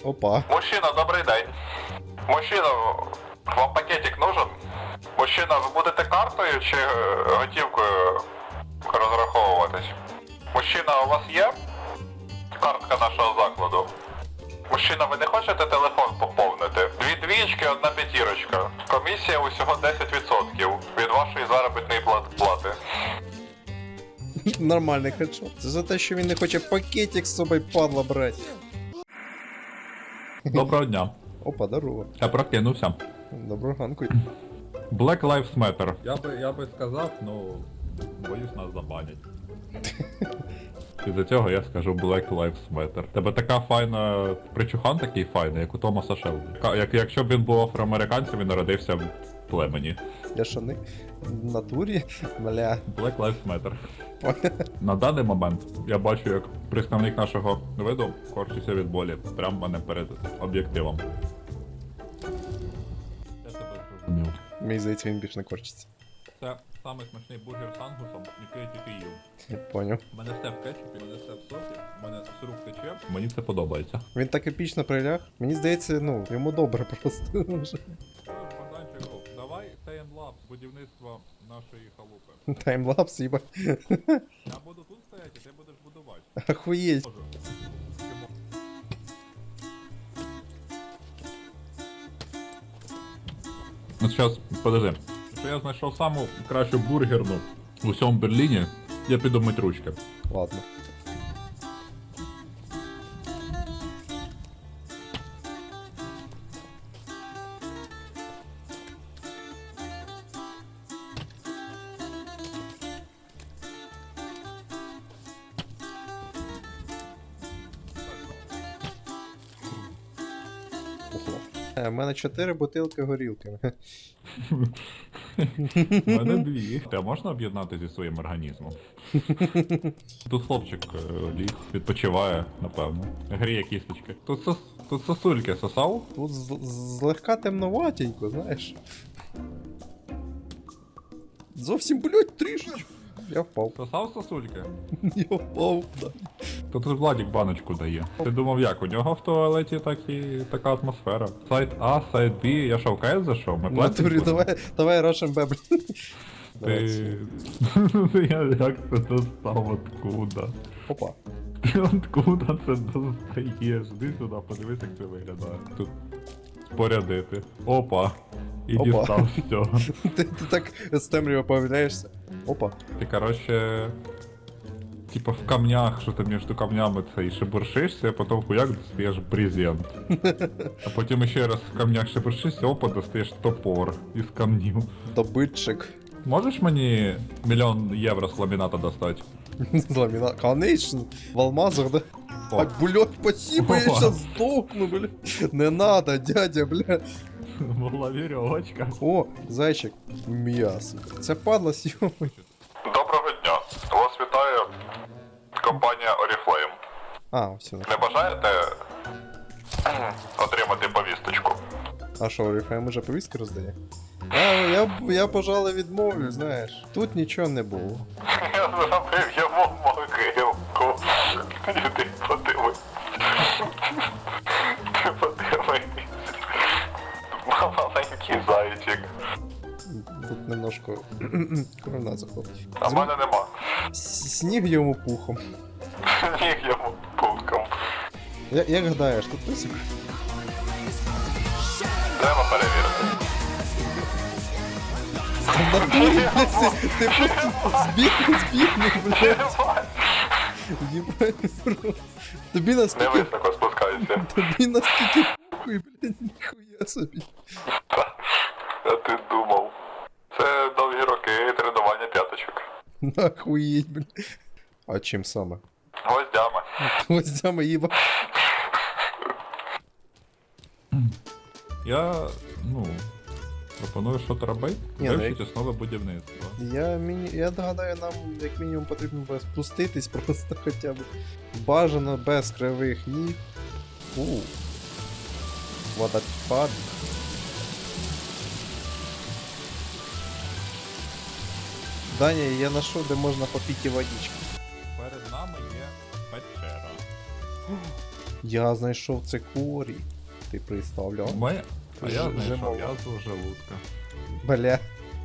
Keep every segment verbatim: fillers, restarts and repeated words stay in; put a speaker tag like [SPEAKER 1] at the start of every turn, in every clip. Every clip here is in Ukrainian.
[SPEAKER 1] Опа.
[SPEAKER 2] Мужчина, добрий день. Мужчина, вам пакетик нужен? Мужчина, ви будете картою чи е, готівкою розраховуватись? Мужчина, у вас є картка нашого закладу? Мужчина, ви не хочете телефон поповнити? Дві двічки, одна п'ятірочка. Комісія усього десять відсотків від вашої заробітної плат- плати.
[SPEAKER 1] Нормальний хедшот. Це за те, що він не хоче пакетик з собою, падла, брать.
[SPEAKER 3] Доброго дня.
[SPEAKER 1] Опа, здорово.
[SPEAKER 3] Я прокинувся.
[SPEAKER 1] Доброго ранку.
[SPEAKER 3] Black Lives Matter. Я би, я би сказав, ну, боюсь, нас забанять. І за цього я скажу Black Lives Matter. Тебе така файна... Причухан такий файний, як у Томаса Шелбі. Ка- Як, якщо б він був афроамериканцем, він народився в племені.
[SPEAKER 1] Я що не в натурі? Бля.
[SPEAKER 3] Black Lives Matter. На даний момент я бачу, як представник нашого виду корчиться від болі. Прямо в мене перед об'єктивом. Я тебе зрозумів.
[SPEAKER 1] Мені здається, він більш не корчиться.
[SPEAKER 3] Це самий смачний бургер з ангусом, який я тільки їв.
[SPEAKER 1] Я поняв.
[SPEAKER 3] У мене все в кетчупі, у мене все в сосі, у мене з рук тече. Мені це подобається.
[SPEAKER 1] Він так епічно приляг. Мені здається, ну, йому добре просто. вже.
[SPEAKER 3] Богданчику, давай таймлапс будівництва нашої халупи.
[SPEAKER 1] Таймлапс, їба.
[SPEAKER 3] Я буду тут стояти, а ти будеш будувати.
[SPEAKER 1] Охуєть.
[SPEAKER 3] Можу. Чому? Ну зараз, подожди. Якщо я знайшов саму кращу бургерну в усьому Берліні, я піду мить ручки.
[SPEAKER 1] Ладно. Ого. Е, У мене чотири бутилки горілки.
[SPEAKER 3] У мене дві. Те можна об'єднати зі своїм організмом? Тут хлопчик е, ліг, відпочиває, напевно. Гріє кісточки. Тут, сос... Тут сосульки сосав?
[SPEAKER 1] Тут з- злегка темноватенько, знаєш. Зовсім, блядь, трішечки. Я впав.
[SPEAKER 3] Сосав сосульки?
[SPEAKER 1] Я впав, да.
[SPEAKER 3] То тут Владік баночку дає. Ти думав як? У нього в туалеті так і така атмосфера. Сайт А, сайт Б, я що в КС зайшов? Ми
[SPEAKER 1] В натурі,
[SPEAKER 3] платимо?
[SPEAKER 1] давай, давай Russian Bab.
[SPEAKER 3] Ти... Я як це достав откуда?
[SPEAKER 1] Опа.
[SPEAKER 3] Ти откуда це достаєш? Іди сюди, подивись, як це виглядає. Тут спорядити. Опа. І
[SPEAKER 1] Опа.
[SPEAKER 3] дістав все.
[SPEAKER 1] Ти, ти так з темрява появляєшся. Опа.
[SPEAKER 3] Ти, короче, типа в камнях, що ти між камнями це і шебуршишся, а потім хуяк достаєш брезент. А потім ще раз в камнях шебуршишся, опа, достаєш топор із камнів.
[SPEAKER 1] Добитчик.
[SPEAKER 3] Можеш мені мільйон євро з ламіната достати?
[SPEAKER 1] З ламіна. Конечно. В алмазах, да?
[SPEAKER 3] О.
[SPEAKER 1] Так, блядь, спасибо, я
[SPEAKER 3] Опа.
[SPEAKER 1] сейчас сдохну, бля. Не надо, дядя, бля.
[SPEAKER 3] Була вірьовочка.
[SPEAKER 1] О, зайчик. М'ясо. Це падла сьомий.
[SPEAKER 2] Доброго дня. Вас вітає компанія Oriflame.
[SPEAKER 1] А, все.
[SPEAKER 2] Не бажаєте отримати повісточку?
[SPEAKER 1] А що, Oriflame уже повістки роздає? А, я, я, пожалуй, відмовлю, знаєш. Тут нічого не було.
[SPEAKER 2] Я зробив йому могилку. Іди подивись. Ти подивись. Маленький зайчик.
[SPEAKER 1] Тут немножко корона заходить.
[SPEAKER 2] А в мене нема.
[SPEAKER 1] С- Сніг йому пухом.
[SPEAKER 2] Ніг йому путком.
[SPEAKER 1] Я, як гадаєш, тут писик?
[SPEAKER 2] Треба перевірити.
[SPEAKER 1] В натурі, блядь, ти, ти просто збіг, збігнув, блядь. Єбать, бро. Тобі
[SPEAKER 2] Не
[SPEAKER 1] наскільки,
[SPEAKER 2] високо спускайся.
[SPEAKER 1] тобі наскільки похуй, блядь, ніхуя собі.
[SPEAKER 2] А ти думав. Це довгі роки тренування п'яточок.
[SPEAKER 1] Нахуєть, блядь. А чим саме?
[SPEAKER 2] Гвоздями.
[SPEAKER 1] Гвоздями їба.
[SPEAKER 3] Я, ну, пропоную що-то робити.
[SPEAKER 1] Ні, ну,
[SPEAKER 3] Вивчити основи будівництва.
[SPEAKER 1] Я, міні... я догадаю, нам як мінімум потрібно буде спуститись просто хоча б. Бажано без кривих ніг. У. Водопад. Даня, я знайшов, де можна попити водички.
[SPEAKER 3] Перед нами є печера.
[SPEAKER 1] Я знайшов цикорій. Ти представляв?
[SPEAKER 3] Ми... А я
[SPEAKER 1] Ж-
[SPEAKER 3] знайшов
[SPEAKER 1] жимоло.
[SPEAKER 3] язву желудка.
[SPEAKER 1] Бля.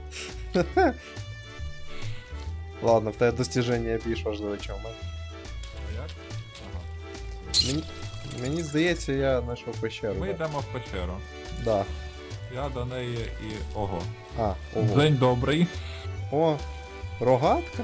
[SPEAKER 1] Ладно, в тебе достіження більш важливе, ніж у мене.
[SPEAKER 3] А як? Ага.
[SPEAKER 1] Мені, мені здається, я знайшов пещеру.
[SPEAKER 3] Ми
[SPEAKER 1] да.
[SPEAKER 3] йдемо в печеру.
[SPEAKER 1] Да.
[SPEAKER 3] Я до неї і... Ого.
[SPEAKER 1] А, ого.
[SPEAKER 3] День добрий.
[SPEAKER 1] О, рогатка?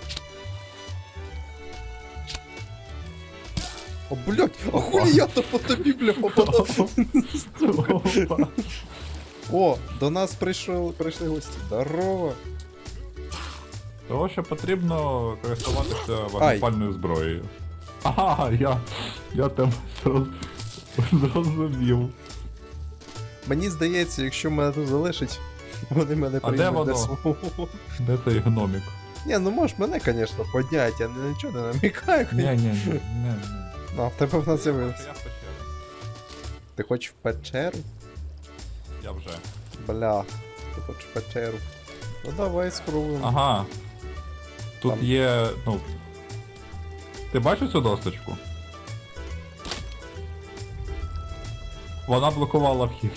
[SPEAKER 1] О, блядь, а хулі я то по тобі, бля, попадав?
[SPEAKER 3] Опа.
[SPEAKER 1] О, до нас прийшли, прийшли гості. Здорово.
[SPEAKER 3] Того, що потрібно користуватися вогнепальною зброєю. Ага, я... Я тебе зроз- зрозумів.
[SPEAKER 1] Мені здається, якщо мене тут залишить, вони мене
[SPEAKER 3] А де
[SPEAKER 1] приймуть
[SPEAKER 3] воно?
[SPEAKER 1] до свого.
[SPEAKER 3] Де цей гномік?
[SPEAKER 1] Ні, ну можеш мене, звісно, поднять, я ні- нічого не намікаю.
[SPEAKER 3] Ні, ні, ні, ні, ні.
[SPEAKER 1] А, в тебе в нас з'явилось.
[SPEAKER 3] Я в печері.
[SPEAKER 1] Ти хочеш в печеру?
[SPEAKER 3] Я вже.
[SPEAKER 1] Бля, ти хочеш в печеру. Ну давай спробуємо.
[SPEAKER 3] Ага. Тут
[SPEAKER 1] Там.
[SPEAKER 3] є, ну... Ти бачиш цю досточку? Вона блокувала вхід.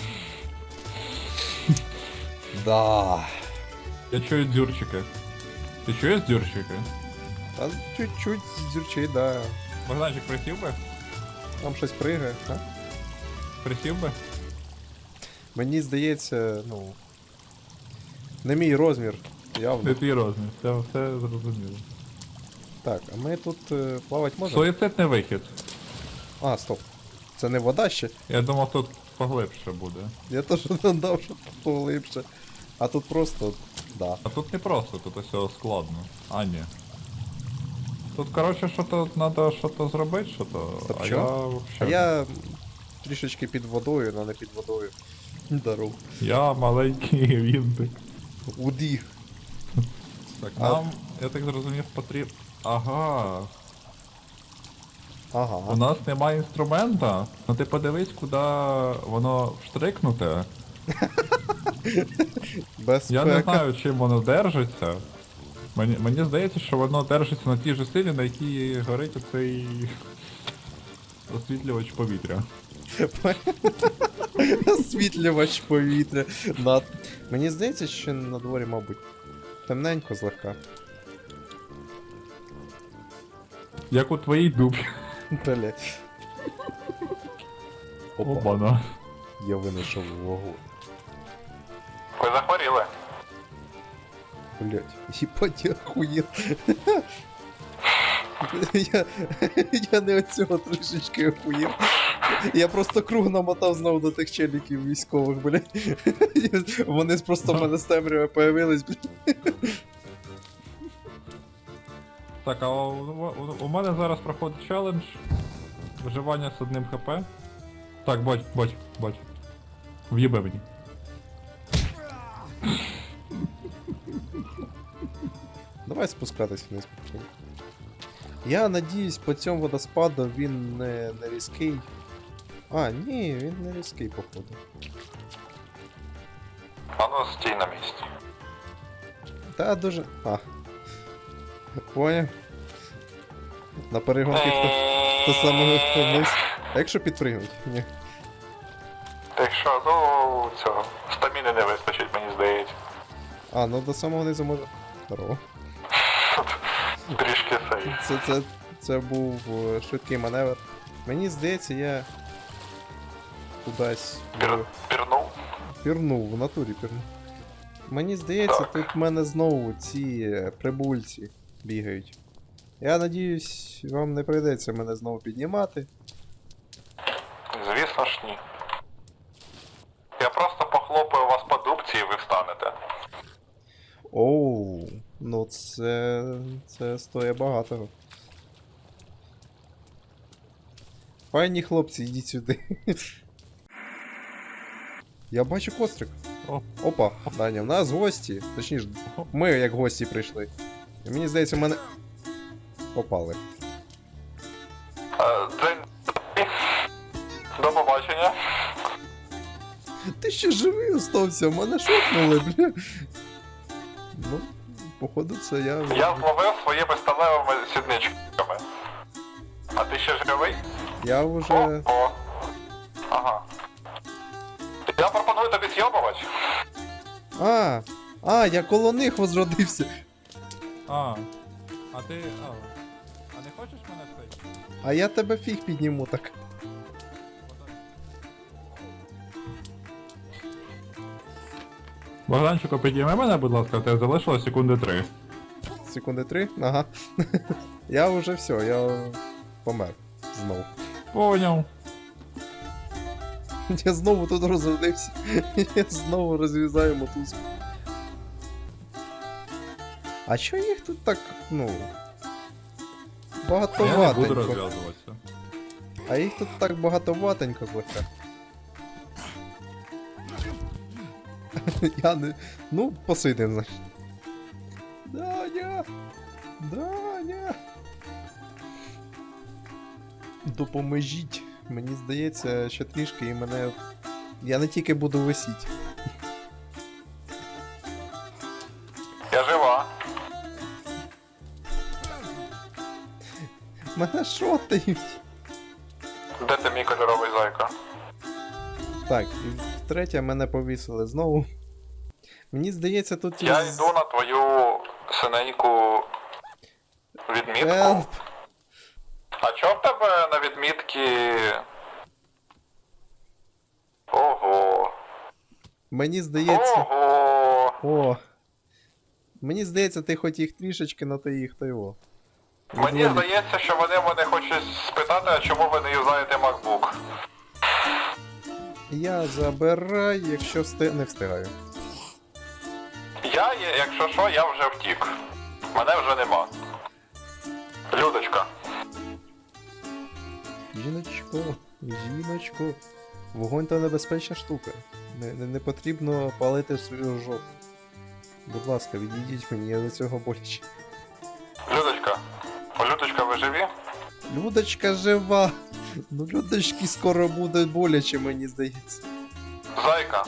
[SPEAKER 1] Да.
[SPEAKER 3] Я чую дзюрчики. Ти чуєш дзюрчики?
[SPEAKER 1] Та чуть-чуть зюрчить, да.
[SPEAKER 3] Богданчик, присів би?
[SPEAKER 1] Там щось пригає, а?
[SPEAKER 3] Присів би?
[SPEAKER 1] Мені здається, ну. Не мій розмір,
[SPEAKER 3] Не
[SPEAKER 1] явно.
[SPEAKER 3] твій розмір, це все зрозуміло.
[SPEAKER 1] Так, а ми тут е, плавати можемо?
[SPEAKER 3] Суїцидний вихід.
[SPEAKER 1] А, стоп. Це не вода ще?
[SPEAKER 3] Я думав, тут поглибше буде.
[SPEAKER 1] Я теж надав, що поглибше. А тут просто. Да.
[SPEAKER 3] А тут не просто, тут все складно. А, ні. Тут, коротше, що-то треба що-то зробити, що-то.
[SPEAKER 1] Стоп,
[SPEAKER 3] а
[SPEAKER 1] що?
[SPEAKER 3] я
[SPEAKER 1] А
[SPEAKER 3] вообще.
[SPEAKER 1] я трішечки під водою, але не під водою. Здоров.
[SPEAKER 3] Я маленький вінтик.
[SPEAKER 1] Уді.
[SPEAKER 3] Так,
[SPEAKER 1] А-
[SPEAKER 3] нам, я так зрозумів, потрібно. Ага. У
[SPEAKER 1] Ага.
[SPEAKER 3] нас немає інструмента. Ну ти подивись, куди воно вштрикнуте.
[SPEAKER 1] Безпека.
[SPEAKER 3] Я не знаю, чим воно держиться. Мені, мені здається, що воно держиться на тій же силі, на якій горить оцей освітлювач повітря.
[SPEAKER 1] Освітлювач повітря. Над... Мені здається, що на дворі, мабуть, темненько злегка.
[SPEAKER 3] Як у твоїй дубі.
[SPEAKER 1] Блять. Опа,
[SPEAKER 3] Обана.
[SPEAKER 1] я винайшов вагон.
[SPEAKER 2] Ви захворіли.
[SPEAKER 1] Блять, їбать, я охуєл. Я, я не от цього трішечки охуєв. Я просто круг намотав знову до тих челіків військових, блять. Вони просто в мене з темряви появились, блять.
[SPEAKER 3] Так, а у, у, у мене зараз проходить челендж. Виживання з одним хп. Так, бач, бач, бач. В'їбе мені.
[SPEAKER 1] Давай спускатись вниз. потім. Я надіюсь, по цьому водоспаду він не, не різкий. А, ні, він не різкий, походу.
[SPEAKER 2] А ну стій на місці.
[SPEAKER 1] Та дуже. А. Поняв. На перегонки хто, хто саме вниз. А якщо підпригнуть? Ні.
[SPEAKER 2] Так що, ну цього. Стаміни не вистачить, мені здається.
[SPEAKER 1] А, ну до самого низу може. Здорово.
[SPEAKER 2] Трішки сей.
[SPEAKER 1] Це, це, це був е, швидкий маневр. Мені здається, я кудись
[SPEAKER 2] Пір...
[SPEAKER 1] в-
[SPEAKER 2] Пірнув.
[SPEAKER 1] пірнув, в натурі пірнув. Мені здається,
[SPEAKER 2] Так.
[SPEAKER 1] тут в мене знову ці е, прибульці бігають. Я надіюсь, вам не прийдеться мене знову піднімати.
[SPEAKER 2] Звісно ж ні. Я просто похлопаю вас по дубці і ви встанете.
[SPEAKER 1] Оу, ну це. це стоїть багатого. Файні хлопці, йдіть сюди. Я бачу кострик.
[SPEAKER 3] О.
[SPEAKER 1] Опа, Даня, в нас гості. Точніше, ми як гості прийшли. І мені здається, в мене. Попали.
[SPEAKER 2] Е, День. До побачення.
[SPEAKER 1] Ти ще живий остався, мене шокнули, бля. Ну, походу, це я.
[SPEAKER 2] Я зловив своїми сталевими сідничками. А ти ще живий?
[SPEAKER 1] Я вже.
[SPEAKER 2] О. Ага. Я пропоную тобі з'єбувати.
[SPEAKER 1] А! А, я коло них возродився.
[SPEAKER 3] А. А ти. А. А не хочеш мене цей?
[SPEAKER 1] А я тебе фіг підніму так.
[SPEAKER 3] Богданчику, підійми мене, будь ласка, тебе залишилось секунди три.
[SPEAKER 1] Секунди три? Ага. Я вже все, я помер. Знову.
[SPEAKER 3] Поняв.
[SPEAKER 1] Я знову тут розродився. Я знову розв'язаю мотузку. А чо їх тут так, ну.
[SPEAKER 3] Я не буду
[SPEAKER 1] Багатоватенько.
[SPEAKER 3] розв'язуватися.
[SPEAKER 1] А їх тут так багатоватенько кося. Я не. Ну, посидим, значить. Даня! Даня! Допоможіть. Мені здається, ще трішки і мене. Я не тільки буду висіти.
[SPEAKER 2] Я жива.
[SPEAKER 1] Мене шотають.
[SPEAKER 2] Де ти мій кольоровий зайка?
[SPEAKER 1] Так, і втретє мене повісили знову. Мені здається, тут
[SPEAKER 2] Я
[SPEAKER 1] із-
[SPEAKER 2] йду на твою синеньку відмітку.
[SPEAKER 1] Help.
[SPEAKER 2] А чо в тебе на відмітки? Ого.
[SPEAKER 1] Мені здається.
[SPEAKER 2] Ого.
[SPEAKER 1] О. Мені здається, ти хоч їх трішечки, но ти їх то його.
[SPEAKER 2] Мені
[SPEAKER 1] Відволік.
[SPEAKER 2] здається, що вони мене хочуть спитати, а чому ви не юзаєте MacBook.
[SPEAKER 1] Я забираю, якщо встиг... не встигаю.
[SPEAKER 2] Я, є- якщо що, я вже втік. Мене вже нема. Людочка.
[SPEAKER 1] Жіночко, жіночко. Вогонь то небезпечна штука. Не, не, не потрібно палити свою жопу. Будь ласка, відійдіть мені, я до цього боляче.
[SPEAKER 2] Людочка. Людочка, ви живі?
[SPEAKER 1] Людочка жива! Ну людочки скоро буде боляче, мені здається.
[SPEAKER 2] Зайка.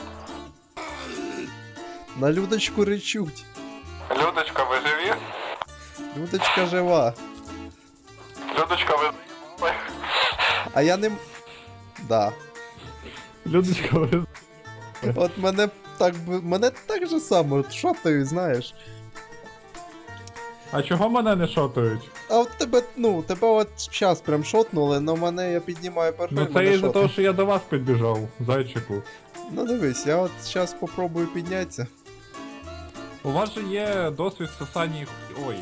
[SPEAKER 1] На Людочку речуть.
[SPEAKER 2] Людочка, ви живі?
[SPEAKER 1] Людочка жива.
[SPEAKER 2] Людочка, ви заїбали?
[SPEAKER 1] А я не. м- Да.
[SPEAKER 3] Людочка, ви...
[SPEAKER 1] От мене так би. Мене так же само шотають, знаєш.
[SPEAKER 3] А чого мене не шотають?
[SPEAKER 1] А от тебе, ну, тебе от зараз прям шотнули, но мене я піднімаю перший.
[SPEAKER 3] Ну це
[SPEAKER 1] мене
[SPEAKER 3] із-за того,
[SPEAKER 1] шотають.
[SPEAKER 3] що я до вас підбіжав, зайчику.
[SPEAKER 1] Ну дивись, я от зараз попробую піднятися.
[SPEAKER 3] У вас же є досвід сосання їх. Ой.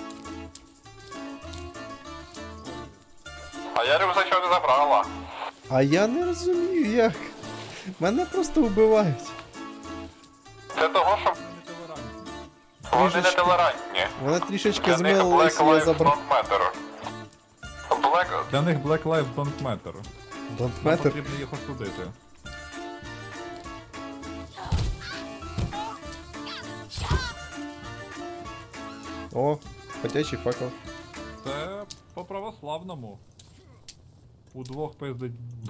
[SPEAKER 2] А я рюкзачок не забрала.
[SPEAKER 1] А я не розумію як. Мене просто вбивають.
[SPEAKER 2] Це того, що вони не
[SPEAKER 1] Трішечки.
[SPEAKER 2] толерантні.
[SPEAKER 1] Вони трішечки
[SPEAKER 2] Для них
[SPEAKER 1] змилились,
[SPEAKER 2] Black
[SPEAKER 1] і я
[SPEAKER 2] Lives
[SPEAKER 1] забрав.
[SPEAKER 2] Don't Matter. Black...
[SPEAKER 3] Для них Black Lives Don't Matter.
[SPEAKER 1] Don't
[SPEAKER 3] Нам
[SPEAKER 1] matter.
[SPEAKER 3] потрібно їх осудити.
[SPEAKER 1] О, ходячий факел.
[SPEAKER 3] Це по православному. Удвох пиздить.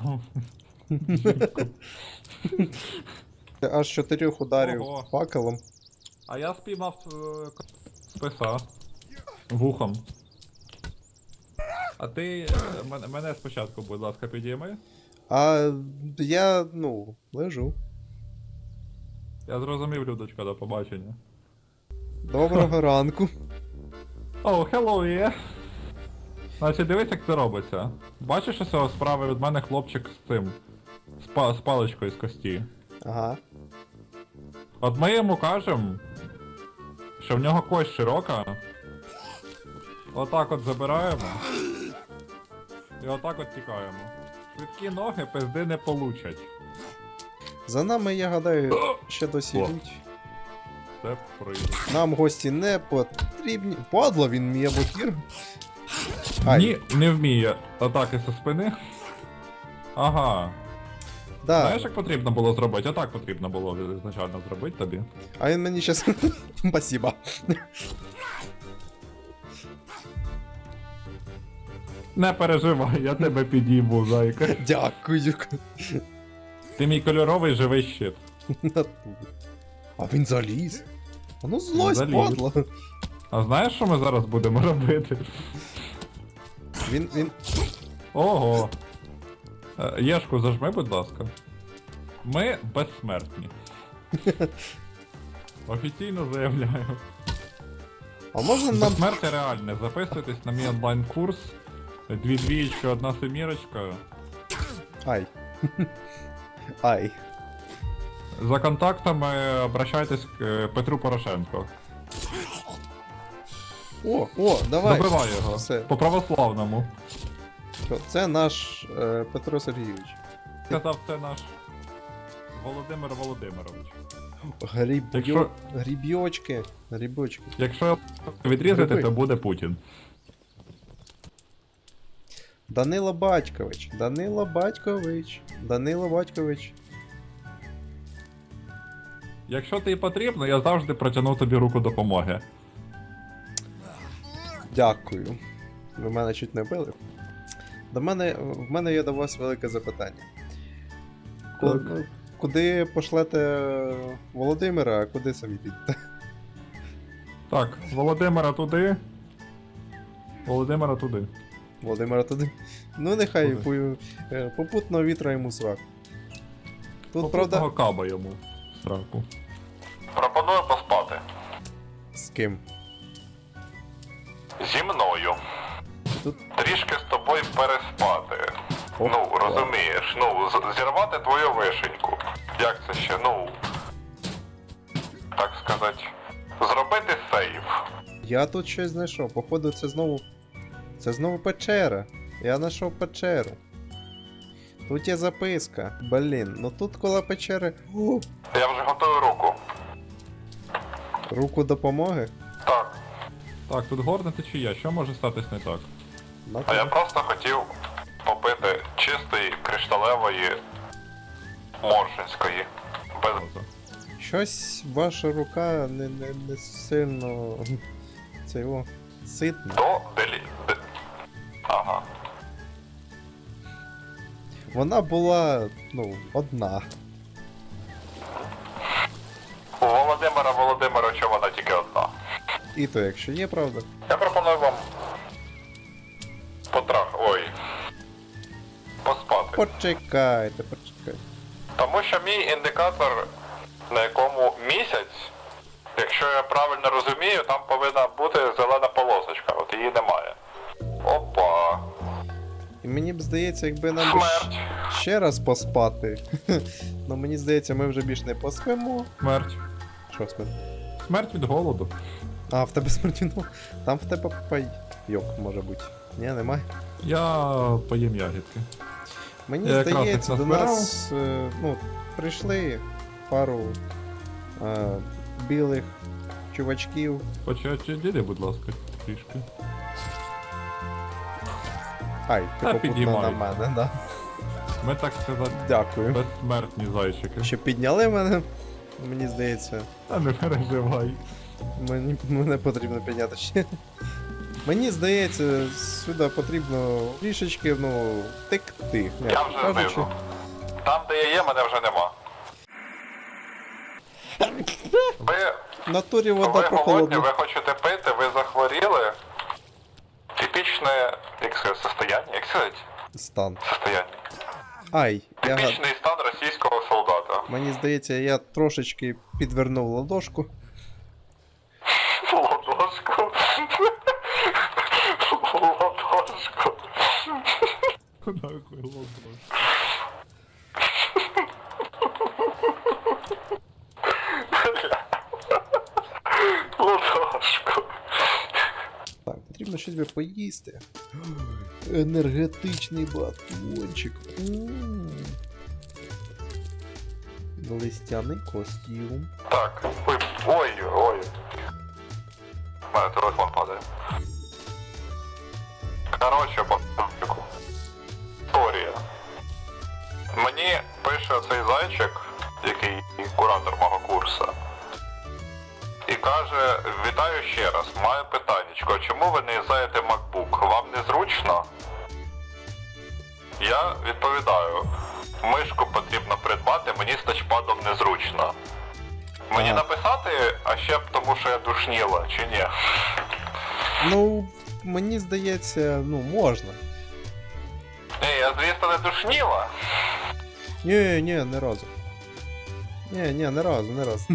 [SPEAKER 1] Аж чотирьох ударів
[SPEAKER 3] Ого.
[SPEAKER 1] факелом.
[SPEAKER 3] А я спіймав е, к- списа. Вухом. А ти е, мене, мене спочатку, будь ласка, підійми.
[SPEAKER 1] А я, ну, лежу.
[SPEAKER 3] Я зрозумів, Людочка, до побачення.
[SPEAKER 1] Доброго ранку.
[SPEAKER 3] О, hello, є. Значить, дивись, як це робиться. Бачиш, ось справа від мене хлопчик з цим. З, па- з паличкою з кості.
[SPEAKER 1] Ага.
[SPEAKER 3] От ми йому кажемо, що в нього кость широка. Отак от забираємо. І отак от тікаємо. Швидкі ноги пизди не получать.
[SPEAKER 1] За нами, я гадаю, ще досі
[SPEAKER 3] О.
[SPEAKER 1] йдуть.
[SPEAKER 3] Це прийде.
[SPEAKER 1] Нам гості не потрібні. Падла, він мій блокір. Ай,
[SPEAKER 3] Ні, не вміє атаки зі спини. Ага.
[SPEAKER 1] да.
[SPEAKER 3] Знаєш, як потрібно було зробити? Отак потрібно було ізначально зробити тобі.
[SPEAKER 1] А він мені щас. Спасибо.
[SPEAKER 3] Не переживай, я тебе підійму, зайка.
[SPEAKER 1] Дякую.
[SPEAKER 3] Ти мій кольоровий живий щит.
[SPEAKER 1] А він заліз. А ну злость,
[SPEAKER 3] Заліз.
[SPEAKER 1] падла.
[SPEAKER 3] А знаєш, що ми зараз будемо робити?
[SPEAKER 1] Він, він.
[SPEAKER 3] Ого. Е, Єшку зажми, будь ласка. Ми безсмертні. Офіційно заявляю.
[SPEAKER 1] А можна нам...
[SPEAKER 3] Безсмертя реальне. Записуйтесь на мій онлайн-курс. Дві двієчки, одна семірочка.
[SPEAKER 1] Ай. Ай.
[SPEAKER 3] За контактами обращайтесь к е, Петру Порошенко.
[SPEAKER 1] О, о, давай.
[SPEAKER 3] Добивай його.
[SPEAKER 1] Все.
[SPEAKER 3] По православному.
[SPEAKER 1] Що, це наш е, Петро Сергійович.
[SPEAKER 3] Сказав, це наш Володимир Володимирович.
[SPEAKER 1] Гріб'йо...
[SPEAKER 3] Якщо-
[SPEAKER 1] Гріб'йочки. Гріб'йочки.
[SPEAKER 3] Якщо відрізати,
[SPEAKER 1] Гриби.
[SPEAKER 3] то буде Путін.
[SPEAKER 1] Данило Батькович. Данило Батькович. Данило Батькович.
[SPEAKER 3] Якщо тобі потрібно, я завжди протягну тобі руку допомоги.
[SPEAKER 1] Дякую. Ви мене чуть не били. До мене, в мене є до вас велике запитання. Ку-
[SPEAKER 3] Так.
[SPEAKER 1] ну, Куди пошлете Володимира, а куди самі підете?
[SPEAKER 3] Так, Володимира туди. Володимира туди.
[SPEAKER 1] Володимира туди. Ну нехай
[SPEAKER 3] Куди?
[SPEAKER 1] пою- е, попутного вітра йому срак. Тут,
[SPEAKER 3] Попутного
[SPEAKER 1] правда,
[SPEAKER 3] каба йому в страху.
[SPEAKER 2] Пропоную поспати.
[SPEAKER 1] з ким?
[SPEAKER 2] Зі мною.
[SPEAKER 1] Тут
[SPEAKER 2] Трішки з тобою переспати.
[SPEAKER 1] Опа.
[SPEAKER 2] Ну, розумієш, ну, з- зірвати твою вишеньку. Як це ще, ну. Так сказати. Зробити сейв.
[SPEAKER 1] Я тут щось знайшов. Походу, це знову. Це знову печера. Я знайшов печеру. Тут є записка. Блін, ну тут коло печери. О,
[SPEAKER 2] Я вже готую руку.
[SPEAKER 1] руку допомоги.
[SPEAKER 2] Так.
[SPEAKER 3] Так, тут горна течія, що може статись не так?
[SPEAKER 1] На
[SPEAKER 2] А я
[SPEAKER 1] те.
[SPEAKER 2] просто хотів попити чистої кришталевої моршинської. Без...
[SPEAKER 1] Щось ваша рука не, не, не сильно. Це його. Ситна.
[SPEAKER 2] До делі... де- Ага.
[SPEAKER 1] Вона була, ну, одна.
[SPEAKER 2] У Володимира Володимировича вона тільки одна.
[SPEAKER 1] І то, якщо є, правда.
[SPEAKER 2] Я пропоную вам потрах... Ой. Поспати.
[SPEAKER 1] Почекайте, почекайте.
[SPEAKER 2] Тому що мій індикатор, на якому місяць, якщо я правильно розумію, там повинна бути зелена полосочка, от її немає. Опа.
[SPEAKER 1] І мені б здається, якби нам би
[SPEAKER 2] Смерть.
[SPEAKER 1] щ- ще раз поспати. Ну мені здається, ми вже більш не поспимо.
[SPEAKER 3] Смерть.
[SPEAKER 1] Що смерть?
[SPEAKER 3] Смерть від голоду.
[SPEAKER 1] А, в тебе смерть, там в тебе пайок може бути. Ні, немає.
[SPEAKER 3] Я поїм ягідки.
[SPEAKER 1] Мені
[SPEAKER 3] Я якраз
[SPEAKER 1] здається,
[SPEAKER 3] їх
[SPEAKER 1] до
[SPEAKER 3] назбирав.
[SPEAKER 1] нас е, ну, прийшли пару е, білих чувачків.
[SPEAKER 3] Почати діди, будь ласка, трішки.
[SPEAKER 1] Ай, ти
[SPEAKER 3] Та
[SPEAKER 1] попутно на
[SPEAKER 3] підіймають.
[SPEAKER 1] мене, да.
[SPEAKER 3] Ми, так сказати,
[SPEAKER 1] Дякую.
[SPEAKER 3] безсмертні зайчики.
[SPEAKER 1] Що підняли мене, мені здається,
[SPEAKER 3] Та не переживай.
[SPEAKER 1] мені, мене потрібно підняти ще. Мені здається, сюди потрібно трішечки, ну, текти.
[SPEAKER 2] Я вже знизу. Там, де я є, мене вже нема. Ви,
[SPEAKER 1] В натурі вода
[SPEAKER 2] ви голодні,
[SPEAKER 1] прохолодна.
[SPEAKER 2] ви хочете пити, ви захворіли. Типічне, як сказати, состояние, як сказати?
[SPEAKER 1] Стан.
[SPEAKER 2] Состояние.
[SPEAKER 1] Ай, я гад...
[SPEAKER 2] Типічний стан російського солдата.
[SPEAKER 1] Мені здається, я трошечки підвернув ладошку.
[SPEAKER 2] Ладошку. Ладошку.
[SPEAKER 3] Нахуй лобро.
[SPEAKER 2] Ладошку.
[SPEAKER 1] Так, потрібно щось би поїсти. Енергетичний батончик. М. Листяний костюм.
[SPEAKER 2] Так, ой, ой, ой. У мене телефон падає. Короче, по історія. Мені пише цей зайчик, який куратор мого курсу. І каже, вітаю ще раз, маю питаннячко, чому ви не юзаєте MacBook? Вам незручно? Я відповідаю, мишку потрібно придбати, мені з тачпадом незручно. Мені
[SPEAKER 1] Ага.
[SPEAKER 2] написати, а ще б тому, що я душніла, чи ні?
[SPEAKER 1] Ну, мені здається, ну, можна.
[SPEAKER 2] Ні, я звісно, не душніла.
[SPEAKER 1] Ні, ні, не разу. Ні, ні, не разу, не разу.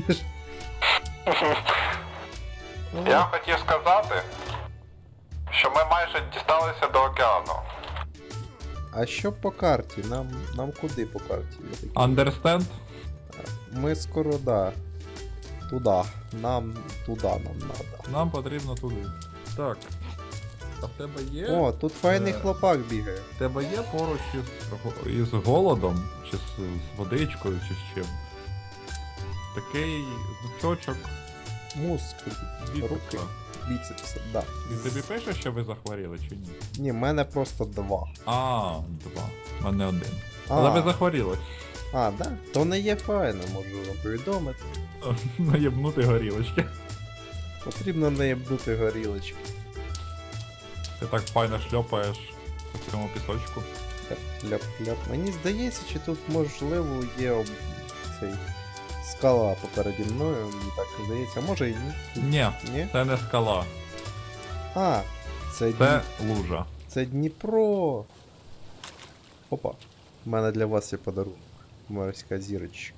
[SPEAKER 2] Я хотів сказати, що ми майже дісталися до океану.
[SPEAKER 1] А що по карті? Нам, нам куди по карті? Я такий,
[SPEAKER 3] Understand?
[SPEAKER 1] Ми скоро, да. Туда. Нам туди нам надо.
[SPEAKER 3] Нам потрібно туди. Так. А в тебе є?
[SPEAKER 1] О, тут файний
[SPEAKER 3] Е.
[SPEAKER 1] хлопак бігає.
[SPEAKER 3] В тебе є поруч із, із голодом, чи з, з водичкою, чи з чим? Такий значочок
[SPEAKER 1] Мускул. Руки.
[SPEAKER 3] біцепса.
[SPEAKER 1] Біцепси, да.
[SPEAKER 3] Він тобі пише, що ви захворіли, чи ні?
[SPEAKER 1] Ні, в мене просто два.
[SPEAKER 3] А, два. У мене один.
[SPEAKER 1] А,
[SPEAKER 3] Але ви захворіли.
[SPEAKER 1] а, да? То не є файно, можу вам повідомити.
[SPEAKER 3] Наєбнути горілочки.
[SPEAKER 1] Потрібно наєбнути горілочки.
[SPEAKER 3] Ти так файно шльопаєш по цьому пісочку.
[SPEAKER 1] Ляп-ляп. Мені здається, чи тут можливо є об... цей скала попереді мною, мені так здається, а може і ні.
[SPEAKER 3] Ні,
[SPEAKER 1] Ні?
[SPEAKER 3] це не скала,
[SPEAKER 1] А, це,
[SPEAKER 3] це
[SPEAKER 1] Дні...
[SPEAKER 3] лужа.
[SPEAKER 1] це Дніпро. Опа. У мене для вас є подарунок. Морська зірочка.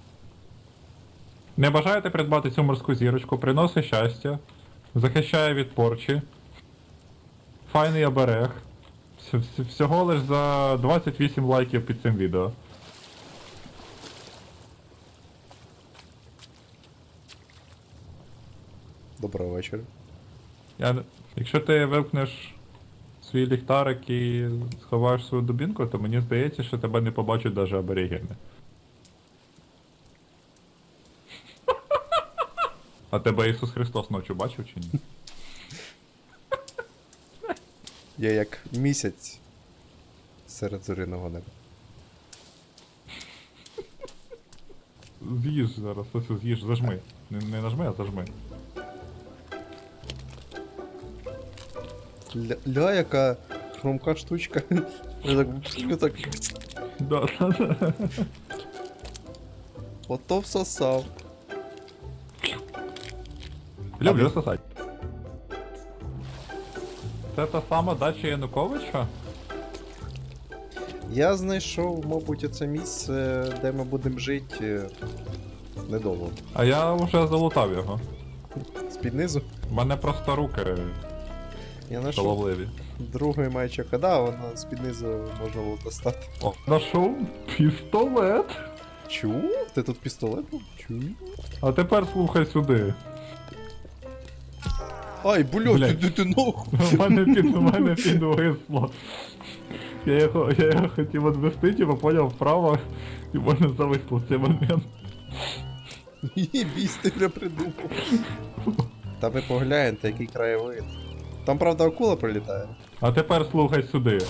[SPEAKER 3] Не бажаєте придбати цю морську зірочку, приносить щастя, захищає від порчі. Файний оберег. Вс- вс- Всього лиш за двадцять вісім лайків під цим відео.
[SPEAKER 1] Доброго вечора.
[SPEAKER 3] Я... не- Якщо ти вимкнеш свій ліхтарик і сховаєш свою дубінку, то мені здається, що тебе не побачать навіть аборігени. А тебе Ісус Христос ночі бачив чи ні?
[SPEAKER 1] Я як місяць серед зоряного неба.
[SPEAKER 3] З'їж зараз, ось з'їж, зажми. Не, не нажми, а зажми.
[SPEAKER 1] Ля, ля яка хромка штучка. Я так, так
[SPEAKER 3] Да, да, да.
[SPEAKER 1] ото всосав.
[SPEAKER 3] Люблю сосать. Це та сама дача Януковича?
[SPEAKER 1] Я знайшов, мабуть, оце місце, де ми будемо жити е, недовго.
[SPEAKER 3] А я вже залутав його.
[SPEAKER 1] З-під низу.
[SPEAKER 3] У мене просто руки
[SPEAKER 1] Я знайшов
[SPEAKER 3] шаловливі.
[SPEAKER 1] другий майчик, а да, воно з-під низу можна було достати.
[SPEAKER 3] О, знайшов пістолет.
[SPEAKER 1] Чу? Ти тут пістолет був? Чу?
[SPEAKER 3] А тепер слухай сюди.
[SPEAKER 1] Ай, блядь,
[SPEAKER 3] Блядь.
[SPEAKER 1] ти, ти нахуй.
[SPEAKER 3] У мене під, у мене підвисло. Я його, я його хотів відвести, типу поняв вправо, і в мене зависло в цей момент.
[SPEAKER 1] Єбісь, ти вже придумав. Та ви погляньте, який краєвид. Там, правда, акула прилітає.
[SPEAKER 3] А тепер слухай сюди.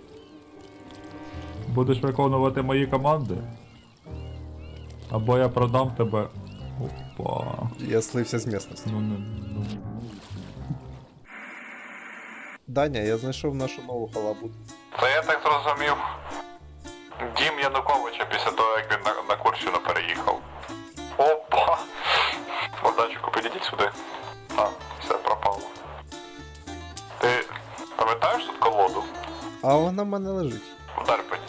[SPEAKER 3] Будеш виконувати мої команди? Або я продам тебе. Опа.
[SPEAKER 1] Я слився з місцевості.
[SPEAKER 3] Ну не. Ну.
[SPEAKER 1] Даня, я знайшов нашу нову халабу.
[SPEAKER 2] Це я так зрозумів. Дім Януковича після того, як він на, на Курщину переїхав. Опа! Богданчику, підійдіть сюди. А, все пропало. Ти пам'ятаєш тут колоду?
[SPEAKER 1] А вона в мене лежить.
[SPEAKER 2] Вдар по ній.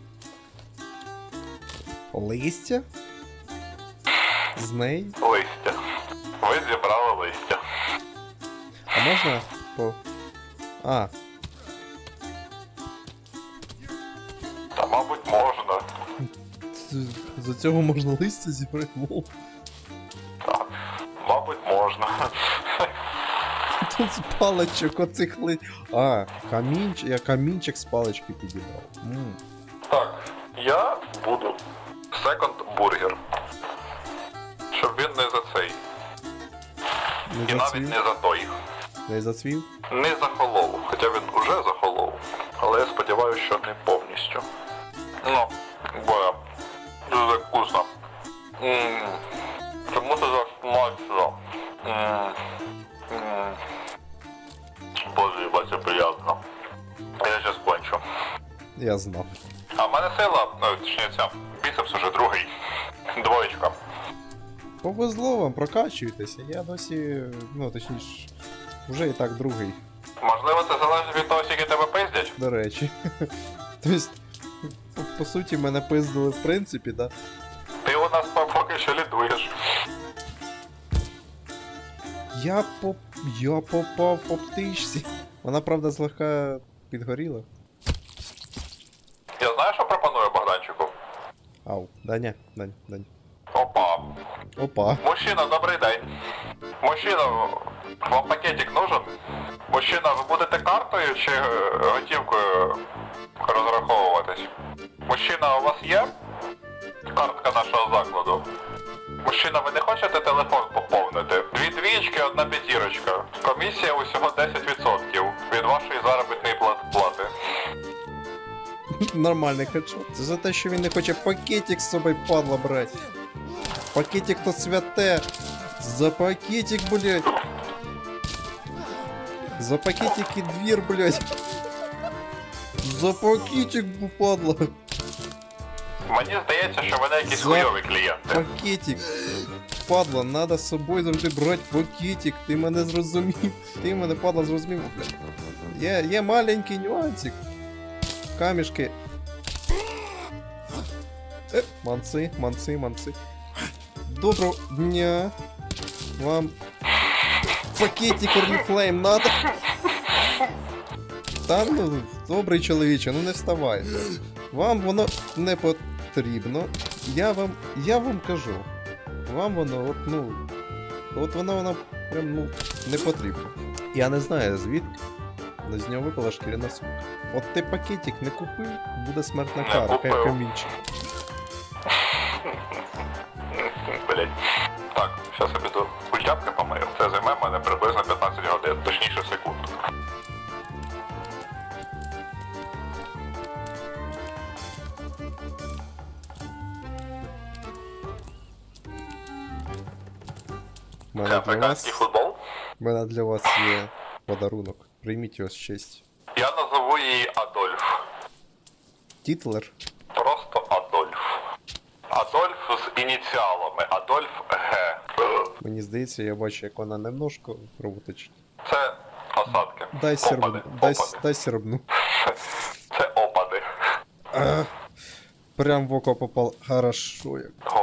[SPEAKER 1] Листя? З неї?
[SPEAKER 2] Листя. Ви зібрали листя.
[SPEAKER 1] А можна по. А,
[SPEAKER 2] Та, мабуть, можна.
[SPEAKER 1] з- з цього можна листя зібрати, лол.
[SPEAKER 2] Так, мабуть, можна.
[SPEAKER 1] Тут з паличок оцих ли. А, камінчик. Я камінчик з палички підібрав. М.
[SPEAKER 2] Так, я буду секонд бургер. Щоб він не за цей.
[SPEAKER 1] Не
[SPEAKER 2] І навіть
[SPEAKER 1] зацвів?
[SPEAKER 2] не за той.
[SPEAKER 1] Не зацвів?
[SPEAKER 2] Не захолов, хоча він уже захолов. Але я сподіваюся, що не повністю. Ну, бо дуже вкусно. Ммм. Чому це так смачно? Ммм. Ммм. Боже, їба, це приємно. Я щас кончу.
[SPEAKER 1] Я знав.
[SPEAKER 2] А в мене сила, ну, точніше, ця, біцепс уже другий. Двоєчка.
[SPEAKER 1] Повезло вам, прокачуйтеся. Я досі. Ну, точніше, вже і так другий,
[SPEAKER 2] Можливо, це залежить від того, скільки тебе пиздять?
[SPEAKER 1] до речі. Тобто, по, по суті, мене пиздили в принципі, да?
[SPEAKER 2] Ти у нас по- поки що лідуєш.
[SPEAKER 1] Я поп... я попав по птичці. Вона, правда, злегка підгоріла.
[SPEAKER 2] Я знаю, що пропоную Богданчику?
[SPEAKER 1] Ау, Даня, Дань, Дань.
[SPEAKER 2] Опа.
[SPEAKER 1] Опа.
[SPEAKER 2] Мужчина, добрий день. Мужчина, вам пакетик нужен? Мужчина, ви будете картою чи е, готівкою розраховуватись? Мужчина, у вас є картка нашого закладу? Мужчина, ви не хочете телефон поповнити? Дві двічки, одна п'ятірочка. Комісія усього десять відсотків від вашої заробітної пла- плати.
[SPEAKER 1] Нормальний хедшот. Це за те, що він не хоче пакетик з собою, падла, брати. Пакетик то святе. За пакетик, блядь. За пакетик і двір, блядь. За пакетик, падла.
[SPEAKER 2] Мені здається, що вони якісь
[SPEAKER 1] За-
[SPEAKER 2] хуйові клієнти.
[SPEAKER 1] Пакетик. Падла, надо з собою завжди брати пакетик. Ти мене зрозумів. Ти мене, падла, зрозумів, блядь. Є, є маленький нюансик. Камішки. Е, манці, манці, манці. Доброго дня. Вам пакетик Oriflame надо? Та ну, добрий чоловіче, ну не вставайте. Вам воно не потрібно. Я вам. Я вам кажу. Вам воно, от, ну. От воно воно прям ну не потрібно. Я не знаю звідки. але з нього випала шкіряна сумка. От ти пакетик не купив, буде смертна
[SPEAKER 2] Не
[SPEAKER 1] кара,
[SPEAKER 2] купив.
[SPEAKER 1] як камінчик.
[SPEAKER 2] Блять. Так, зараз я піду культяпки помию. Це займе мене приблизно п'ятнадцять годин, точніше секунд.
[SPEAKER 1] У
[SPEAKER 2] Це
[SPEAKER 1] мене для
[SPEAKER 2] африканський
[SPEAKER 1] вас,
[SPEAKER 2] футбол.
[SPEAKER 1] у мене для вас є подарунок. Прийміть його з честю.
[SPEAKER 2] Я назову її Адольф.
[SPEAKER 1] Тітлер.
[SPEAKER 2] Просто Адольф. Адольф з ініціалами. Адольф Г.
[SPEAKER 1] Мені здається, я бачу, як вона немножко роботочить.
[SPEAKER 2] Це осадки.
[SPEAKER 1] Дай сербну.
[SPEAKER 2] Опади.
[SPEAKER 1] Дай,
[SPEAKER 2] Опади.
[SPEAKER 1] дай сербну.
[SPEAKER 2] Це опади.
[SPEAKER 1] А, прям в око попал. Хорошо як.